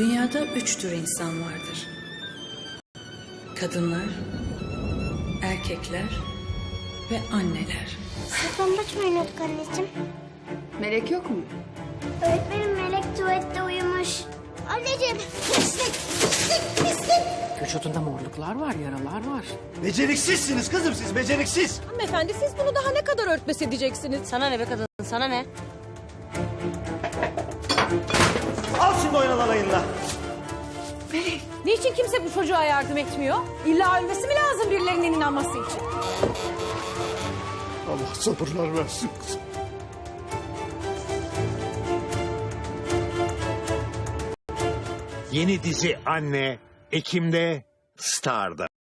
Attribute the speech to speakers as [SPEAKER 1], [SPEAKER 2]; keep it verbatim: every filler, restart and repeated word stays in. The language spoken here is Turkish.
[SPEAKER 1] Dünyada üç tür insan vardır. Kadınlar, erkekler ve anneler.
[SPEAKER 2] Saklambaç mı oynuyorduk anneciğim?
[SPEAKER 3] Melek yok mu?
[SPEAKER 2] Öğretmenim Melek tuvalette uyumuş. Anneciğim pislik pislik pislik.
[SPEAKER 4] Vücudunda morluklar var, yaralar var.
[SPEAKER 5] Beceriksizsiniz kızım siz, beceriksiz.
[SPEAKER 6] Hanımefendi siz bunu daha ne kadar örtbas edeceksiniz?
[SPEAKER 7] Sana ne be kadın, sana ne?
[SPEAKER 5] Al şimdi oynan alayınla.
[SPEAKER 6] Niçin kimse bu çocuğa yardım etmiyor? İlla ölmesi mi lazım birilerinin inanması için?
[SPEAKER 8] Allah sabırlar versin kızım.
[SPEAKER 9] Yeni dizi Anne, Ekim'de Star'da.